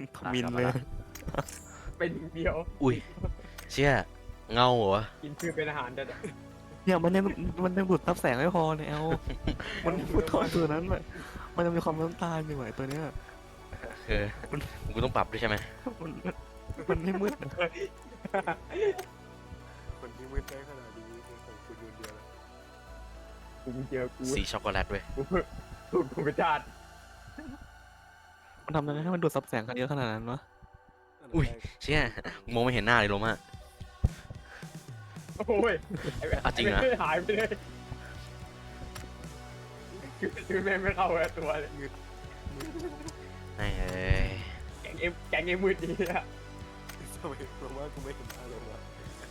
ทมินเลยเป็นเดียวอุ้ยเชี่ยเงาเหรอวะกินคือเป็นอาหารแต่เนี่ยมันยังดูดซับแสงไม่พอเนี่ยเอามันพูดทอดตัวนั้นมันจะมีความน้ำตาลอยู่ไหมตัวเนี้ยคือกูต้องปรับด้วยใช่ไหมมันมันไม่มืดนะคนที่มืดได้ขนาดนี้เป็นของคุณคนเดียวแล้วกูเจอกูสีช็อกโกแลตเว้ยกูเป็นชาติมันทำยังไงให้มันดูดซับแสงกันเยอะขนาดนั้นวะอุ้ยเชี่ยมองไม่เห็นหน้าเลยโลมาโอ้ยอ่ะจริงเหรอหายไปเลยคือแม่งไม่เข้ากับตัวเลยไอ้เอ้ยแกงเอ็มมืดดีอะทำไมลงว่ากูไม่เห็นหน้าลงวะ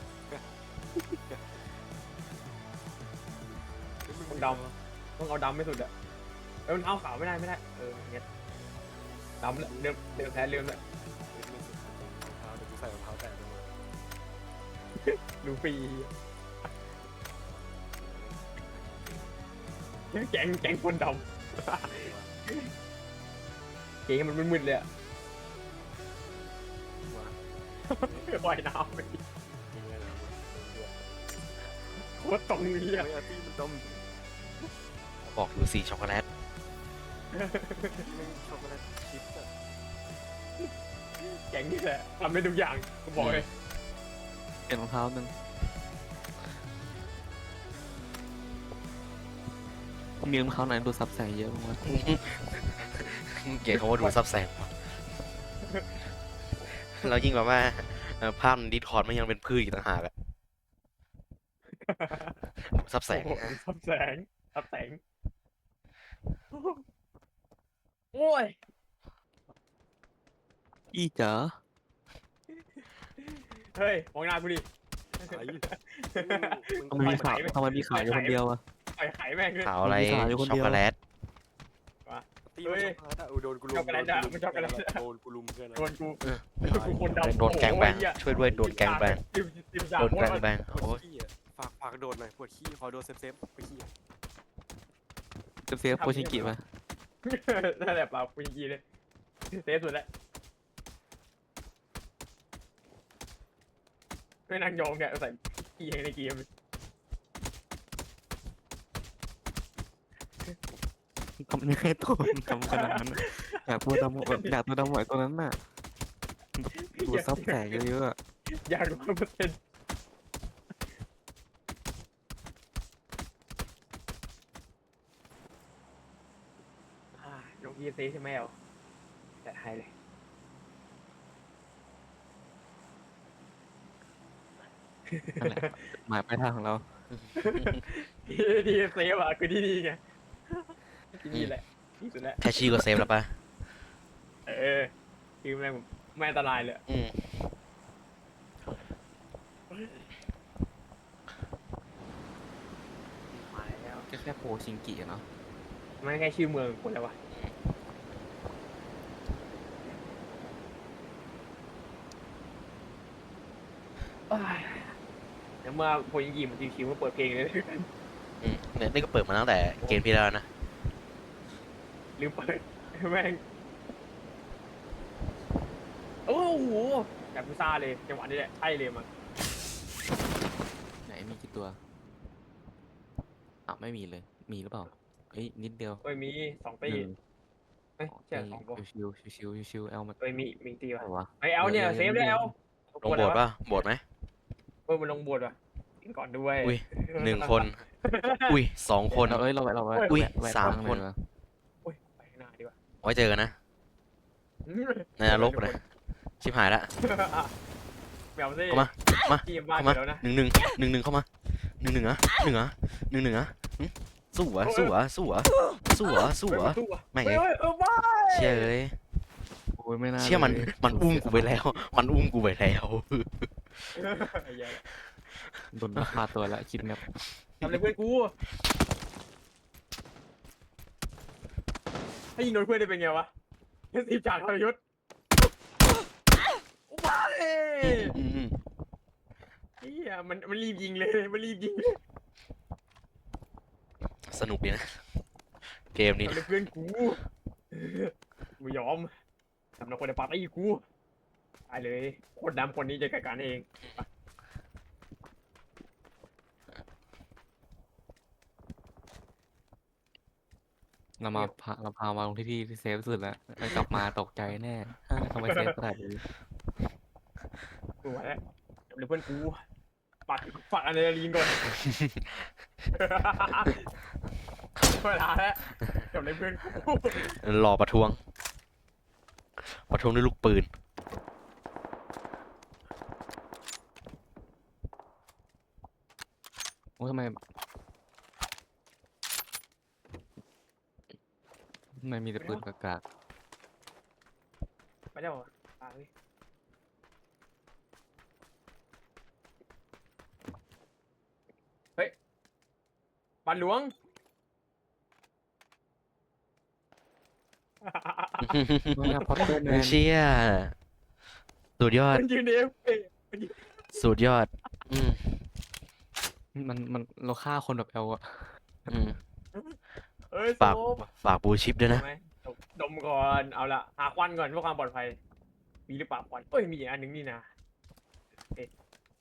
ต้องดำต้องเอาดำไม่สุดอะมันเอาขาวไม่ได้เงี้ยดำเดิมแพ้เริ่มเลยไม่สุดรองเท้าแต่กูใส่รองเท้าแตะไปหมดดูฟรีแกงคนดำเกงมันมึนๆเลยอะมาว่ายน้ำไปยังไงนะโคตรตรงนี้เฮ้อะยอาร์ตี้มันดมบอกอยู่สีช็อกโกแลตไม่ช็อกโกแลตชิปอะแกงนี่แหละทำได้ทุกอย่างกูบอกเลยเปลี่ยนรองเท้าหนึ่งมีรองเท้าไหนดูดซับแสงเยอะบ้างวะเกลียดเขาว่าดูซับแสงว่ะแล้วยิ่งแบบว่าภาพดิสคอร์ดมันยังเป็นพืชอีกต่างหากอะซับแสงโอ้โหซับแสงโอ้ยอีจ๋าเฮ้ยมองหน้ากูดิไอ้ทำไมมีขาวทำไมมีขาวอยู่คนเดียวอะไข่แม่งเลยขาวอะไรมีขาวอยู่คนเดีช็อกยวโกแลตตีมันช็อกโกแลตอะโดนกูลุมโดนกูลุมเพื่อนโดนกูคนดำโดนแกงแบงช่วยด้วยโดนแกงแบงติมสาโดมนแกงแบงปวโอ้ดยขี้อะฝากโดนหน่อยปวดขี้ขอโดนเซฟไปขี้เซฟโปชิกิมานั่นแหละเปล่ากูยิงเลยเซฟสุดแล้วไม่นั่งยองแกใส่กีในเกมทำยังไงตัวมันทำขนาดนั้นอะอยากตัวดำแบบอยากตัวดำไหวตัวนั้นน่ะดูดซับแสงเยอะๆอะอยาก100%น้องพีเซใช่ไหมเอาจัดให้เลยนั่นแหละหมายปลายทางของเราดีเซฟอ่ะคือดีไงที่นี่แหละที่สุดแล้วแค่ชื่อก็เซฟแล้วป่ะคือแม่งไม่อันตรายเลยอืมมาแล้วก็แค่โปชิงกิอะเนาะไม่แค่ชื่อเมืองคนแล้ววะเดี๋ยวเมื่อโพยิงกีมันชิวๆมาเปิดเพลงเลยอืมเนี่ยนี่ก็เปิดมาตั้งแต่เกมที่แล้วนะลืมเปิดแม่งโอ้โหแบบพิซซ่าเลยจังหวะนี้แหละใช่เลยมั้งไหนมีกี่ตัวไม่มีเลยมีหรือเปล่าเอ้ยนิดเดียวเอ้ยมี2 ตีหนึ่งเอ้ยใช่2 ตัวชิวๆเอลมันเอ้ยมีตีอะวะไรวะไอเอลเนี่ยเซฟได้เอลลงโบสถ์ป่ะโบสถ์ไหมมันลงบวชว่ะกินก่อนด้วยอุ้ย 1 คน อุ้ย2 คนเราเราอุ้ยแวะ 3 ทงคนเลยดีกว่าโอ้ยไปข้างหน้าดีกว่าไว้เจอกันนะ ในนรกนะชิบหายละแมวซิเข้ามา มาทีมบ้านเข้ามาแล้วนะ 1-1 เข้ามา1-1อ่ะ1-1อ่ะหึสู้อ่ะแม่งเฮ้เอ้ยยบ้าเชี่ยเอ้ยโอ้ยไม่น่าเชี่ยมันเลยมันอุ้มกูไปแล้ว มันอุ้มกูไปแล้วโดนพาตัวละคิดงับทำอะไรเพื่อนกูให้ยิงโดนเพื่อนได้เป็นไงวะทีมจากทรยศว้าเอ้อืมเฮียมันรีบยิงเลยสนุกดีนะ เกมนี้ทำอะไรเพื่อนกูไม่ยอมสำหรับคนในปาร์ตี้กูตายเลยคนดำคนนี้จะจัดการเองเราพามาลงที่เซฟสุดแล้วแล้วกลับมาตกใจแน่ทำไมเซฟขนาดนี้กูมาแล้วเดี๋ยวเพื่อนกูปักอะดรีนาลีนก่อน เวลาแล้วเดี๋ยวเพื่อนกูรอประท้วงด้วยลูกปืนโอ้ทำไมมีแต่ปืนกากไม่ได้หรอตายเฮ้ยบ้านหลวงๆไม่พอตเตอร์แมนเชี่ยสุดยอดมันยืนเอฟสุดยอด อืมมันเราฆ่าคนแบบเอาอะอืมเฮ้ยโซฝาก ฝากบูชิปด้วยนะไหมดมก่อนเอาละหาควันก่อนเพื่อความปลอดภัยมีหรือเปล่าควันเอ้ยมีอีกอันหนึ่งนี่นะเอ๊ะ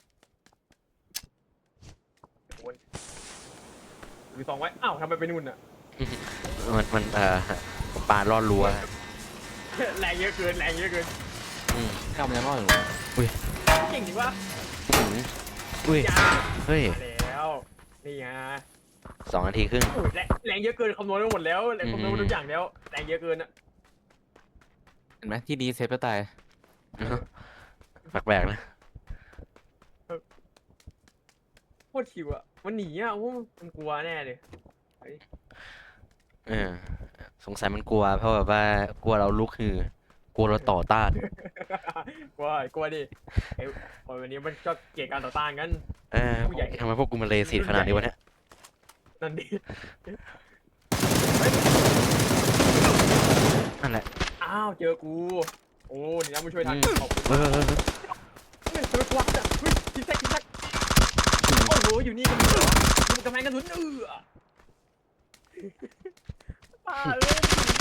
โอ้ยมีสองไว้อ้าวทำไมไปนู่นอ่ะมันปาดลอดรั้วแรงเยอะเกินแรงเยอะเกินอืมทำยังรอดอยู่เก่งจริงวะอืมอุ้ยยาเฮ้ยมาแล้วนี่ไง 2 นาทีครึ่งโอ้ยแรงเยอะเกินคำนวณไปหมดแล้วแรงคำนวณไปทุกอย่างแล้วแรงเยอะเกินอ่ะเห็นไหมที่ดีเซฟจะตายแปลกๆนะโคตรชิวอ่ะมันหนีอ่ะโอ้มันกลัวแน่เลยเออสงสัยมันกลัว เพราะแบบว่ากลัวเราลุกฮือกลัวเราต่อต้านกลัวดิไอ้คนวันนี้มันก็เกลียดการต่อต้านกันเออทำไมพวกกูมันเลสิตขนาดนี้วะเนี่ยนั่นดินั่นแหละอ้าวเจอกูโอ้นี่นะมาช่วยทันขอบคุณเออเฮ้ยทำไมกวาดอ่ะเฮ้ยทิกแท็กโอ้โหอยู่นี่กันเหรอมึงกำแพงกระสุนป้าเลย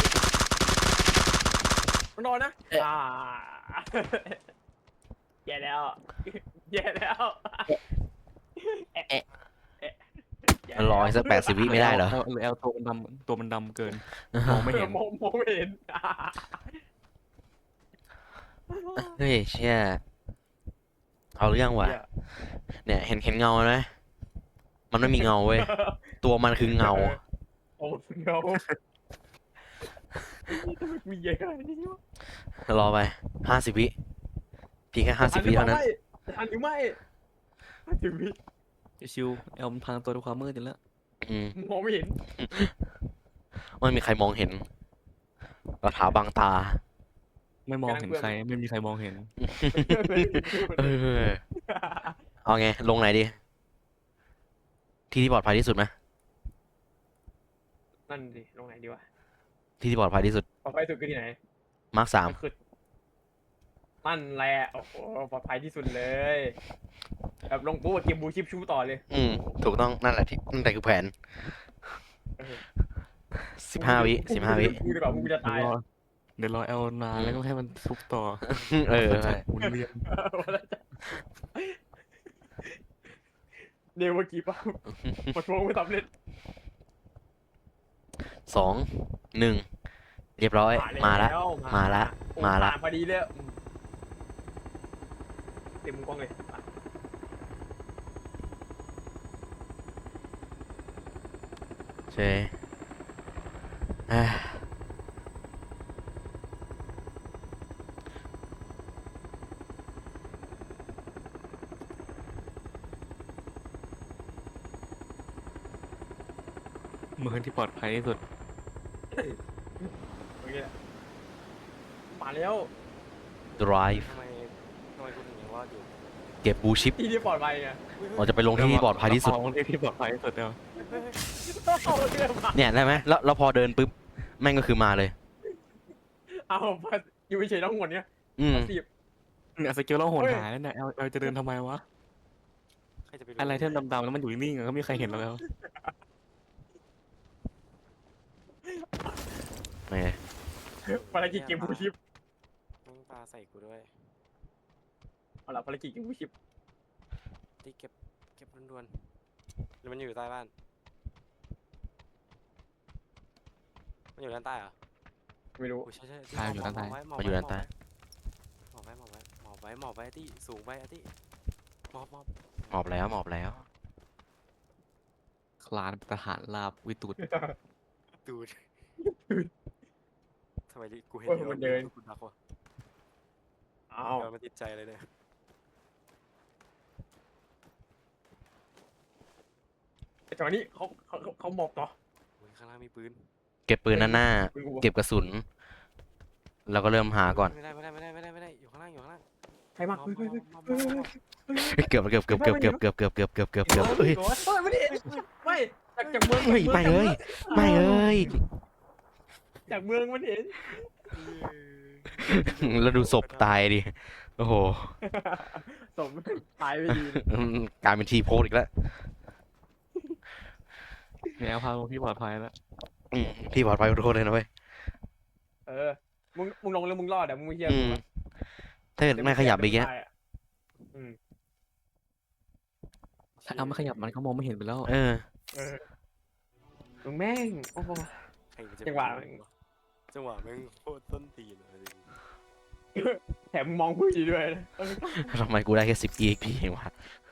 มันนอนนะแย่แล้วแย่แล้วมันรออีกสัก80 วิไม่ได้เหรอเอลตัวมันดำเกินมองไม่เห็นมองไม่เห็นเฮ้ยเชี่ยเอาเรื่องว่ะ เนี่ยเห็นเงาไหมมันไม่มีเงาเว้ย ตัวมันคือเงาโอ้เงาทำไมมีเยอะขนาดนี้วะรอไป50 วิเพียงแค่50 วิเท่านั้นทันหรือไม่50 วิชิวเอลมันพังตัวด้วยความมืดอยู่แล้วอืมมองไม่เห็นไม่มีใครมองเห็นกระถาบังตาไม่มองเห็นใครไม่มีใครมองเห็นเออ เอาไง ลงไหนดี ที่ปลอดภัยที่สุดไหมนั่นดิลงไหนดีวะที่ปลอดภัยที่สุดปลอดภัยสุดคือที่ไหนมาร์ค 3 คือนั่นแหละโอ้โหปลอดภัยที่สุดเลยแบบลงปุ๊บเกมบูชิปชูต่อเลยอืม ถูกต้องนั่นแหละที่นั่นแต่คือแผน 15 วิ15 วิกูดีกว่ามึงจะตายเดี๋ยวรอเอลนานแล้วก็ให้มันทุบต่อเออใช่หมุนเวียนเดี๋ยวเมื่อกี้ป่ะมาทวงไม่สำเร็จ 2 1 เรียบร้อย มาละ มาละ มาละพอดีเลยเต็มมุมกล้องเลยใช่เอ้ยเมืองที่ปลอดภัยที่สุดโอเคมาแล้ว drive ทำไมคุณถึงยังรอดอยู่เก็บบูชิปที่ที่ปลอดภัยไงเราจะไปลงที่ปลอดภัยที่สุดลงที่ปลอดภัยที่สุดเดียวเอาเรื่องมาเนี่ยได้ไหมแล้วพอเดินปุ๊บ แม่งก็คือมาเลยเอาอยู่เฉยๆทั้งหมดเนี้ยอืมสิบเนี่ยสกิลเราโหดหายแล้วเนี่ยเอลจะเดินทำไมวะใครจะไปรู้อะไรที่มันดำๆแล้วมันอยู่นิ่งๆอะก็ไม่มีใครเห็นเราแล้วไม่ภารกิจเกมบูชิปใส่กูด้วยเอาละภารกิจกินผู้ชิปที่เก็บด่วนๆหรือมันอยู่ใต้บ้านมันอยู่ด้านใต้เหรอไม่รู้โอ้ใช่ใช่ใช่อยู่ด้านใต้มันอยู่ด้านใต้หมอบไว้ที่สูงไว้อาที่หมอบหมอบแล้วหมอบแล้วคลานทหารราบวิตุดดูดทำไมกูเห็นโอ้ยมันเดินกูดักวะอ้าวเดินมาติดใจเลยเนี่ยจังหวะนี้เขาหมอบต่อโอ้ยข้างล่างมีปืนเก็บปืนด้านหน้าปืนกูเก็บกระสุน แล้วก็เริ่มหาก่อนไม่ได้อยู่ข้างล่างใครมาหมอบเฮ้ยหมอบเกือบเฮ้ยไม่ดิไม่จากเมืองเฮ้ยไม่เลยไม่เลยจากเมืองมันเห็นแล้วดูศพตายดิ โอ้โหสมตายไม่ดีกลายเป็นทีโพสอีกแล้วแนวพาพี่ปลอดภัยแล้วพี่ปลอดภัยขอโทษเลยนะเว้ยมึงลงแล้วมึงรอดอ่ะมึงไม่เชื่ออืกูมอะถ้าเกิดไม่ขยับไปแกถ้าเอาไม่ขยับมันก็มองไม่เห็นไปแล้วเออมึงแม่งโอ้โหใครมันจะจังหวะจังหวะแม่งโคตรต้นตีนเลยแถมมึงมองผู้ดีด้วยนะทำไมกูได้แค่10 EXP เองวะ